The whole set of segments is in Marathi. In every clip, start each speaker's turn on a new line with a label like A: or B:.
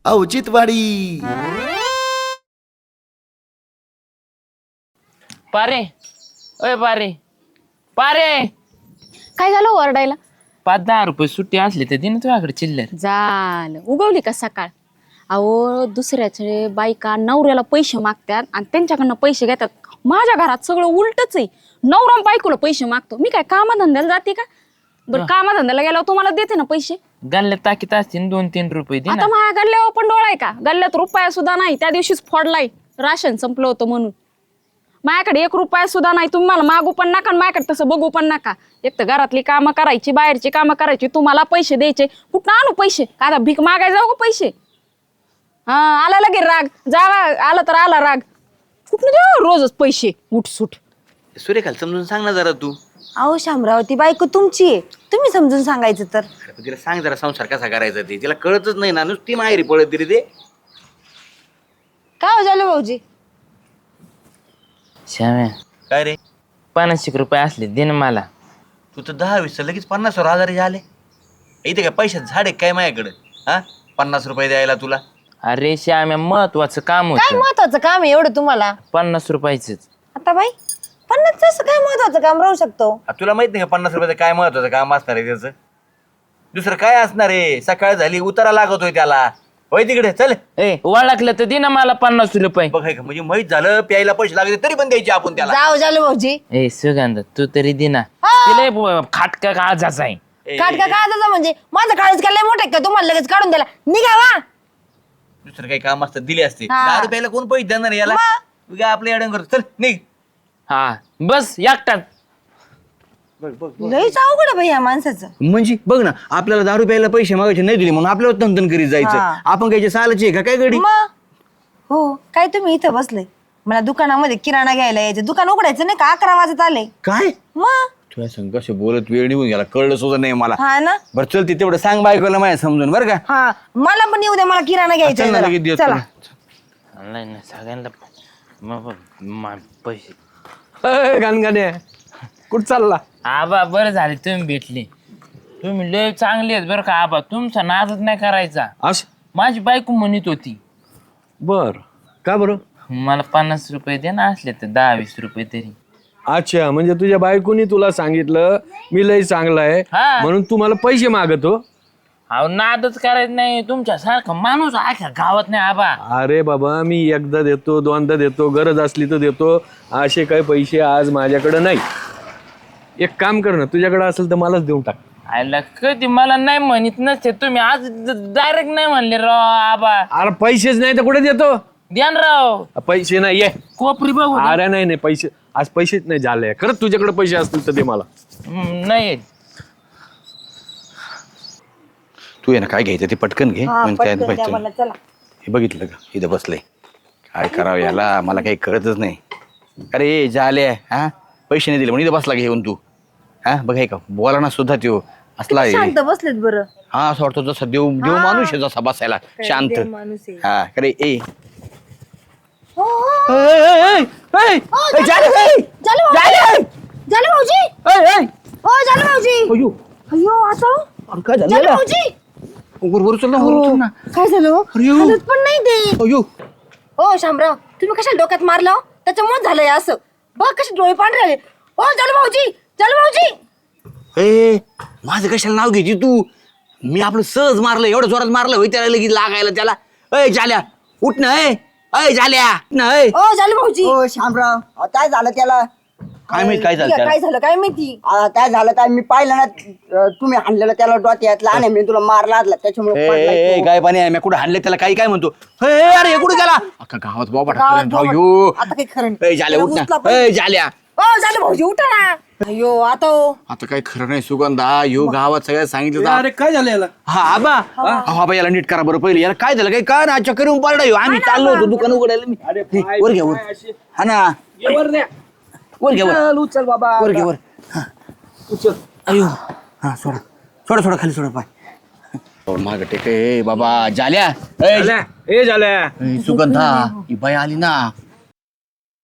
A: औचित्यवाडी.
B: पारे अय पारे पारे
C: काय झालं ओरडायला?
B: 5-10 रुपये सुट्टी असली तर दिन तुझ्याकडे चिल्लर.
C: झालं उगवली का सकाळ? अहो दुसऱ्याचे बायका नवऱ्याला पैसे मागतात आणि त्यांच्याकडनं पैसे घेतात. माझ्या घरात सगळं उलटच आहे. नवरा बायकोला पैसे मागतो. मी काय कामाधंद्याला जाते का? बरं कामाधंद्याला गेल्यावर तुम्हाला देते ना पैसे.
B: गल्ल्यात टाकीत असतील 2-3 रुपये दे ना.
C: आता माझ्या गल्ल्यावर पण डोळा आहे का? गल्ल्यात रुपया सुद्धा नाही. त्या दिवशीच फोडलाय राशन संपलं होतं म्हणून. माझ्याकडे 1 रुपया सुद्धा नाही. तुम्ही मला मागू पण नका आणि माझ्याकडे तसं बघू पण नका. एक तर घरातली कामं करायची, बाहेरची कामं करायची, तुम्हाला पैसे द्यायचे. कुठं आणू पैसे? आता भीक मागायला जाऊ का पैसे? हा आला लगे राग. जावा आला तर आला राग. कुठं देऊ रोजच पैसे उठसूट.
D: सूर्यकाल समजून सांग ना जरा तू.
E: अहो शामराव ती बायको तुमची आहे, तुम्ही समजून सांगायचं तर.
D: तिला सांग जरा संसार कसा करायचा ते. तिला कळतच नाही ना, नुसती माहेरी पळत तरी ते.
E: काय हो झालं भाऊजी?
B: श्याम्या
D: काय रे
B: 50 रुपये असले दे ना मला.
D: तू तर 10-20 लगेच 50,000 झाले. इथे काय पैशात झाडे काय माझ्याकडं? हा 50 रुपये द्यायला तुला?
B: अरे श्याम्या महत्वाचं काम
E: काय
B: होतं.
E: महत्वाचं काम आहे एवढं तुम्हाला?
B: 50 रुपयाच.
E: आता बाई 50 असं काय महत्वाचं काम राहू शकतो?
D: तुला माहित नाही का 50 रुपयाचं काय महत्वाचं काम असणार आहे त्याचं? दुसरं काय असणार आहे? सकाळ झाली उतारा लागतोय त्याला. होय तिकडे चल.
B: ए ओळखलं तर दे ना मला 50 रुपये.
D: बघ का म्हणजे माहित झालं प्यायला पैसे लागले तरी पण द्यायचे आपण त्याला.
E: जाऊ झालं भाऊजी.
B: ए सुगंध तू तरी दे ना. तिला खाटका काळजाचा आहे.
E: काढ का काढायचं म्हणजे माझं काळच काय लय मोठं आहे का तुम्हाला लगेच काढून द्यायला? निघावा.
D: दुसरं काही काम असतं दिले असते.
E: हा.
D: 10 रुपयाला कोण पैसे देणार याला? उगा आपल्या अडंग करतो. चल निघ.
B: हा बस एकटाच.
E: लयच अवघड आहे बाई या माणसाचं.
D: म्हणजे बघ ना आपल्याला 10 रुपयाला पैसे मागायचे नाही दिले म्हणून आपल्याला तंतन करीत जायचं.
E: हा.
D: आपण काय सालाची आहे का काय गडी?
E: मग हो काय तुम्ही इथं बसले, मला दुकानामध्ये किराणा घ्यायला यायचं. दुकान उघडायचं नाही का? 11 वाजत आले.
D: काय
E: मग
D: तुझ्या संग कसे बोलत वेळ निघून गेला कळलं सुद्धा नाही मला.
E: हा ना.
D: बरं चल ती तेवढं सांग बायकोला माझ्या समजून बरं का.
E: हा मला पण येऊ द्या, मला किराणा घ्यायचा
D: चल ना
E: आहे
D: लगेच
E: जरा.
D: देतो
E: चला.
D: तुला.
B: नाही ना सगळ्यांना पैसे.
F: गणगणे कुठं चालला?
B: आबा बरं झाले तुम्ही भेटले. तुम्ही लय चांगले आहेत बरं का आबा. तुमचा नादच नाही करायचा.
F: असं
B: माझी बायको म्हणत होती
F: बर का बरं?
B: मला 50 रुपये दे ना असले तर 10-20 रुपये तरी.
F: अच्छा म्हणजे तुझ्या बायकोनी तुला सांगितलं मी लय चांगला आहे
B: हा.
F: म्हणून तू मला पैसे मागतो.
B: अहो नादच करायचं नाही. तुमच्या सारखा माणूस आख्या गावात नाही आबा.
F: अरे बाबा मी एकदा देतो, दोनदा देतो, गरज असली तर देतो. असे काही पैसे आज माझ्याकडे नाही. एक काम कर ना, तुझ्याकडे असेल तर मलाच देऊन टाक.
B: आयला कधी मला नाही म्हणत नसते तुम्ही. आज डायरेक्ट नाही म्हणले राव आबा.
F: अरे पैसेच नाही तर कुठे देतो?
B: ध्यान राव
F: पैसे नाही ये.
B: कोपरी बघू दे.
F: अरे नाही नाही पैसे आज पैसेच नाही झाले. खरंच तुझ्याकडे पैसे असतील तर दे मला.
B: नाही
D: तू आहे ना काय घ्यायचं ते पटकन घे.
E: हा,
D: म्हणजे काय
E: पटकन द्या
D: पाहिजे.
E: मला. चला.
D: हे बघितलं का इथं बसलंय. काय करावं याला मला काही कळतच नाही. अरे झाले हा पैसे नाही दिले म्हणून इथं बसला घेऊन तू. हा बघ हे का बोला ना सुद्धा त्यो असला आहे.
E: शांत बसलेत बरं.
D: हा असं वाटतं जसा देव देव माणूस आहे जसा बसायला शांत.
E: देव माणूस आहे.
D: हा अरे ए
E: हो, हो.
D: झाले
E: झालं भाऊजी. झालं भाऊजी. हो झालं भाऊजी. अयो आता
D: काय
E: झालं भाऊजी.
D: वर चल ना वर चल ना.
E: काय झालं हो?
D: अयो.
E: हालत पण नाही ते.
D: अयो
E: हो शामराव तुम्ही कशाला डोक्यात मारलं हो? त्याच्यामुळे झालंय असं. बघ कसे डोळे पांढरे झाले. हो झालं भाऊजी. झालं भाऊजी.
D: ए माझं कशाला नाव घ्यायची तू? मी आपलं सहज मारलं एवढं जोरात मारलं होय त्याला लगेच लागायला त्याला. अय झाल्या उठ ना. अय झाल्या ना.
E: हो झालं भाऊजी.
G: हो शामराव काय झालं त्याला?
D: काय माहित काय झालं त्याला?
E: काय झालं काय माहिती.
G: काय झालं काय मी पाहिलं ना तुम्ही हाणलेलं त्याला डोक्यात लहान आहे मी तुला मार लागला त्याच्यामुळे पडलाय तो.
D: काय पाणी आहे मी कुठं हाणले त्याला काही काय म्हणतो. अरे हे कुठे गेला अख्खा गावात बाबा
G: गावात
D: टाकलं.
G: आता काही खरं नाही.
D: झाल्या उठ
G: उचला
D: ना.
G: पण.
D: झाल्या
E: हो झालं भाऊजी उठा ना. अयो आता हो.
D: आता काय खरं नाही सुगंधा. यो गावात सगळ्यात सांगितलं
F: अरे काय झालं याला?
D: हा आबा आबा याला नीट करा बरं पहिले. याला काय झालं काय का ना चक्कर येऊन पडला ह्यो. आम्ही चाललो होतो दुकान उघडायला. हे, वर घ्या वर. हा ना वर घ्या वर.
G: उचल बाबा
D: वर घ्या वर. हा. अयो हा सोडा सोडा सोडा खाली सोडा पाय. माग टेक ए बाबा झाल्या.
F: झाल्या ए झाल्या.
D: सुगंधा ही बाई आली ना.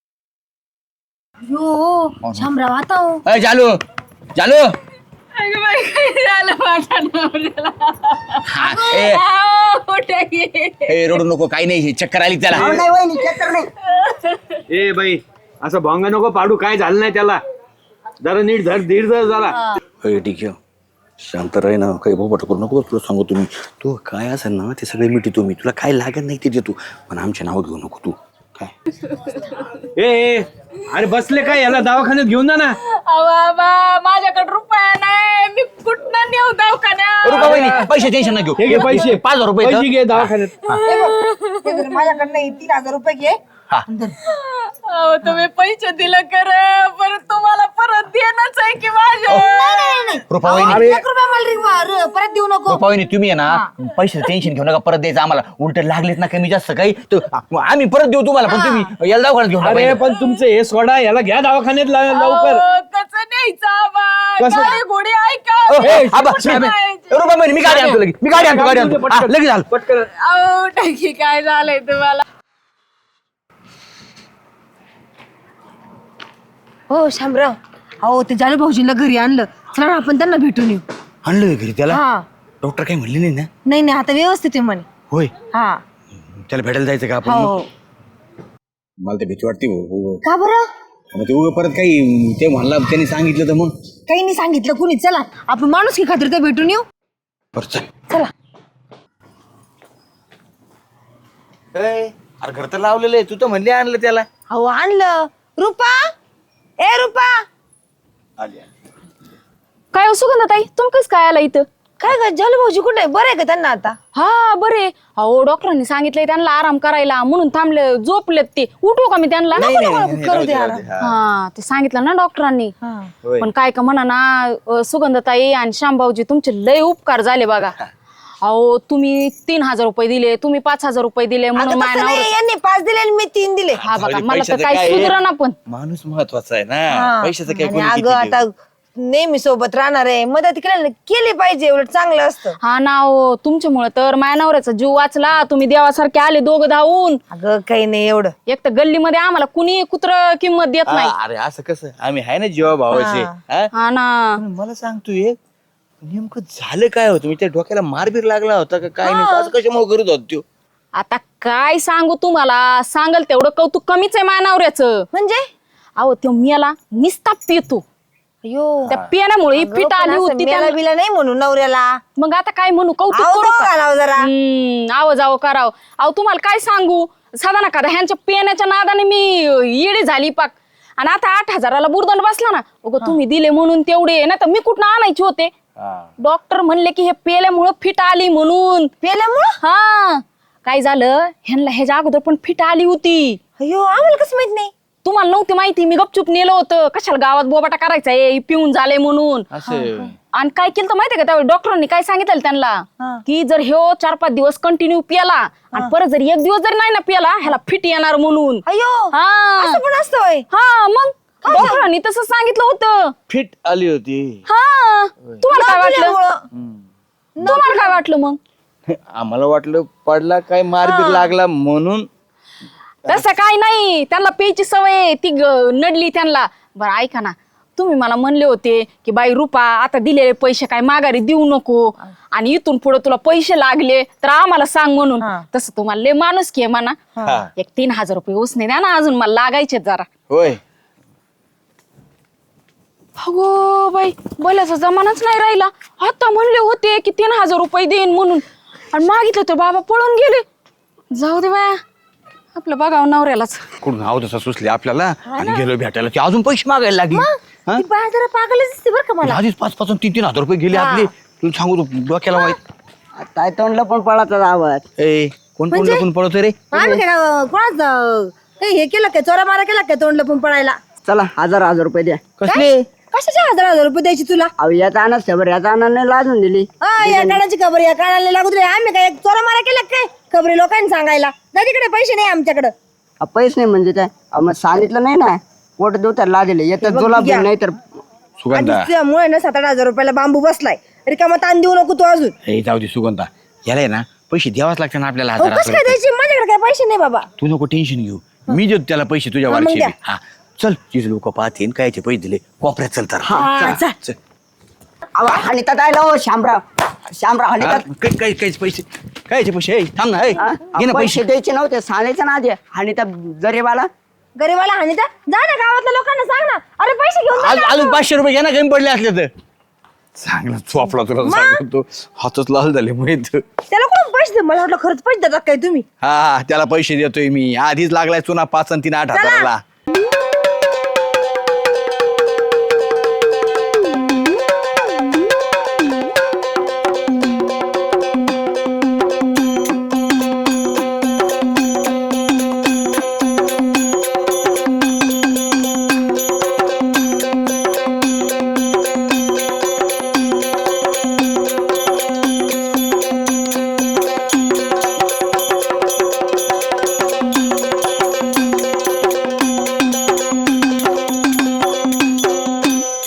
E: यो शामराव आता हो.
D: जालू जालू
C: बाई काय झालं माझ्या नवऱ्याला
D: हा, ए,
C: आहो, कुठे गेले?
D: ए, रडू नको काही नाही चक्कर आली त्याला
G: अहो, नाही वहिनी चक्कर नाही.
F: ए बाई असं भोंगा नको पाडू, काय झालं नाही त्याला. जरा नीट धर धीर धर जरा.
D: होय ठीक आहे शांत राही ना, काही बोबाट करू नको. तुला सांगू तुम्ही तू काय असेल ना ते सगळे मिठी तुम्ही, तुला काय लागत नाही ते देतो, पण आमचे नाव घेऊ नको तू. काय
F: ए अरे बसले काय, याला दवाखान्यात घेऊन जा ना.
C: अहो, बाबा माझ्याकडे रुपया नाही, मी कुठनं नेऊ दवाखान्यात?
D: रुपा वहिनी पैसे टेन्शन नाही घेऊ.
F: हे घे पैसे.
D: 5,000 रुपये
F: पैसे घे दवाखान्यात.
E: माझ्याकडनं 3,000 रुपये घे.
C: अहो तुम्ही पैसे दिलं कर, परत तुम्हाला परत देणंच आहे की माझ्या.
D: रुपा वहिनी,
E: 1 रुपया मला परत देऊ नको.
D: रुपा वहिनी तुम्ही आहे ना पैसे टेन्शन घेऊ नका, परत द्यायचं आम्हाला. उलट लागलेत ना कमी जास्त काही तर आम्ही परत देऊ तुम्हाला, पण तुम्ही याला दवाखान्यात घेऊन
F: अरे
D: टाका.
F: पण तुमचं हे सोडा, याला घ्या दवाखान्यात लवकर.
C: अहो, कसं न्यायचं आबा?
F: कसं?
C: गाडी घोडी ऐका.
D: ए, आबा,
C: कुठं न्यायचं?
D: रुपा वहिनी मी गाडी आणतो लगेच, मी गाडी आणतो हा, लगेच आलो.
F: पटकन.
C: अहो टाकी काय झालंय तुम्हाला?
E: हो शामराव, अहो ते जालू भाऊजीला घरी आणलं. चला ना आपण त्यांना भेटून येऊ.
D: आणलं घरी त्याला.
E: हा.
D: डॉक्टर काही म्हणले नाही ना?
E: नाही नाही, आता व्यवस्थित आहे म्हणे.
D: होय,
E: हा.
D: त्याला भेटायला जायचं का आपण?
E: हो.
D: मला तर भीती वाटते भाऊ.
E: का बरं?
D: मग ते उगं परत काही ते म्हणला त्यांनी सांगितलं तर मग
E: काही नाही सांगितलं कुणी. चला आपण माणूस की खात्री तर भेटून येऊ.
D: बरं चल.
E: चला.
D: अरे घर तर लावलेलं आहे, तू तर म्हणले आणलं त्याला.
E: अहो आणलं. रुपा, ए रुपा.
C: काय हो सुगंधाताई, तुम्ही कसं काय आला इथं?
E: काय ग जालू भाऊजी कुठे आहे? बरं आहे का त्यांना आता?
C: हा बरे. अहो डॉक्टरांनी सांगितलंय त्यांना आराम करायला, म्हणून थांबले, झोपलेत ते. उठू का मी त्यांना?
E: करू द्या ना.
C: हा ते सांगितलं ना डॉक्टरांनी.
E: हा.
C: पण काय का म्हणा ना, सुगंधताई आणि श्यामभाऊजी तुमचे लय उपकार झाले बघा. अहो तुम्ही 3,000 रुपये दिले, तुम्ही 5,000 रुपये दिले, म्हणून
E: अगं
C: माझ्या
E: तसं नाही,
C: नवऱ्याचं-
E: यांनी 5 दिले आणि मी 3 दिले.
C: हा बघा,
D: जाऊ दे,
C: मला तर
D: पैशाचं
C: काय
D: काय आहे?
C: सुधरा ना. पण
D: माणूस महत्वाचा आहे ना,
E: हा.
D: पैशाचं काय
E: आणि
D: कोणी
E: अगं
D: किती देऊ?
E: आता नेहमी सोबत राहणार आहे, मदत केली पाहिजे, उलट चांगलं असतं.
C: हा ना, हो तुमच्यामुळे तर माझ्या नवऱ्याचा जीव वाचला. तुम्ही देवासारखे आले दोघं धावून.
E: अगं काही नाही एवढं.
C: एक तर गल्लीमध्ये आम्हाला कुणी कुत्र किंमत देत नाही.
D: अरे असं कसं, आम्ही आहे ना जीवा भावाचे. हा?
C: हा ना.
D: पण मला सांगतो एक नेमकं झालं काय होतं, मी त्या डोक्याला मारबीर लागला होता का काय? नेमकं असं कशामुळे करत होत त्यो?
C: आता काय सांगू तुम्हाला, सांगल तेवढं कौतुक कमीच आहे माझ्या नवऱ्याचं.
E: म्हणजे
C: अहो तो मियाला निस्ता पितो.
E: अयो
C: त्या पियाण्यामुळे ही फिट आली होती
E: त्याला
C: त्याला.
E: बिला नाही म्हणून नवऱ्याला.
C: मग आता काय म्हणू, कौतुक
E: आहो
C: करू
E: तो
C: का?
E: घालावं जरा.
C: आव जावं करावं. अहो तुम्हाला काय सांगू, साधा ना का ह्यांच्या पियाण्याच्या नादाने मी येडी झाली पाक. आणि आता 8,000ला बुरदंड बसला ना. उगं तुम्ही दिले म्हणून तेवढे, ना तर मी कुठं आणायचे होते. डॉक्टर म्हणले की हे पेल्यामुळं फिट आली म्हणून.
E: पेल्यामुळं?
C: हा काय झालं, ह्यांना ह्याच्या अगोदर पण फिट आली होती.
E: अयो आम्हाला कसं माहित नाही?
C: तुम्हाला नव्हती माहिती, मी गपचूप नेलं होतं. कशाला गावात बोबाटा करायचा आहे, पिऊन झाले म्हणून.
D: असं
C: आणि काय केलं तर माहितीये का, त्यावेळी डॉक्टरांनी काय सांगितलं त्यांना की जर ह्यो 4-5 दिवस कंटिन्यू पियाला आणि परत जर 1 दिवस जर नाही ना पियाला, ह्याला फिट येणार म्हणून.
E: अयो
C: हा
E: असं पण असतं होय?
C: हा मग डॉक्टरांनी तसं सांगितलं होतं.
D: फिट आली होती.
C: हा तुम्हाला काय वाटलं?
E: पिल्यामुळं.
C: तुम्हाला काय वाटलं मग?
D: आम्हाला वाटलं पडला काय मारबीर लागला म्हणून.
C: तसं काय नाही, त्यांना प्यायची सवय आहे, ती नडली त्यांना. बरं ऐका ना, तुम्ही मला म्हणले होते की बाई रुपा आता दिलेले पैसे काय माघारी देऊ नको, आणि इथून पुढे तुला पैसे लागले तर आम्हाला सांग म्हणून. तसं तुम्हाला लय माणूस की म्हणा. एक 3,000 रुपये उसने द्या ना, अजून मला लागायचे जरा.
D: होय
C: अगो बाई, बोलायचा जमानाच नाही राहिला. आता म्हणले होते की 3,000 रुपये देईन म्हणून, आणि मागितलं तर बाबा पळून गेले. जाऊ दे बाया, आपलं बघावं नवऱ्यालाच.
D: कुठून नाव तसं सुचले आपल्याला, आणि गेलो भेटायला ती अजून पैसे मागायला लागली. हा?
E: ती बाया जरा पागलच दिसते बरं का मला.
D: आधीच 5-5 आणि 3-3 हजार रुपये गेले आपले. तुला सांगू तू डोक्याला वाईट.
G: काय तोंडला पण पळाचा आवाज.
D: ए कोण कोण लपून पळतो रे?
E: आम्ही काय कोणाच हे केलं काय, चोरा मारा केला काय तोंडला पण पळायला?
G: चला 1,000 रुपये द्या.
D: कसले?
E: कशाचे 1,000 रुपये द्यायची तुला?
G: अहो याचा आणच खबर, याचा आणाने लाजून दिली.
E: या कानाची खबर या कानाला लागू दे. आम्ही काय चोरा मारा केला काय खबरी लोकांनी सांगायला? जा तिकडे, पैसे नाही आमच्याकडे.
G: पैसे नाही म्हणजे काय? मग सांगितलं नाही ना, पोट देऊ तर ला दिले. येतात जुलाब देऊ, नाही तर
D: सुगंधा
E: त्यामुळे ना 7-8 रुपयाला बांबू बसलाय. रिकामा ताण देऊ नको तू अजून.
D: हे जाऊ दे सुगंधा, याला आहे ना पैसे द्यावाच लागतात ना आपल्याला.
E: अहो, कसं काय द्यायची? माझ्याकडे काय पैसे नाही बाबा.
D: तू नको टेन्शन घेऊ, मी देतो त्याला पैसे तुझ्या
E: मग
D: वारचे.
E: द्या.
D: हा चल, तिथे लोक पाहतील कायचे पैसे दिले कोपऱ्यात. चल तर
E: हा, चल.
D: चल.
G: हानितात आहे हो श्यामराव हानितात
D: काहीच पैसे कायचे पैसे ए, थांब ना ए, घे ना
G: पैसे
D: पैसे
G: द्यायचे नव्हते सांगायचं ना आधी हानितात गरीबाला
E: गरीबाला हानिता जा ना गावातल्या लोकांना सांग ना अरे पैसे घेऊन जा ना.
D: अजून 500 रुपये घ्या ना कमी पडले असले तर चांगला चोपला तुला सांगतो हातच लाल झाले माहित
E: त्याला कोण पैसे दे मला वाटलं खरंच पैसे देतात काय तुम्ही
D: हा त्याला पैसे देतोय मी आधीच लागलाय चुना 5 आणि 3 8 हजाराला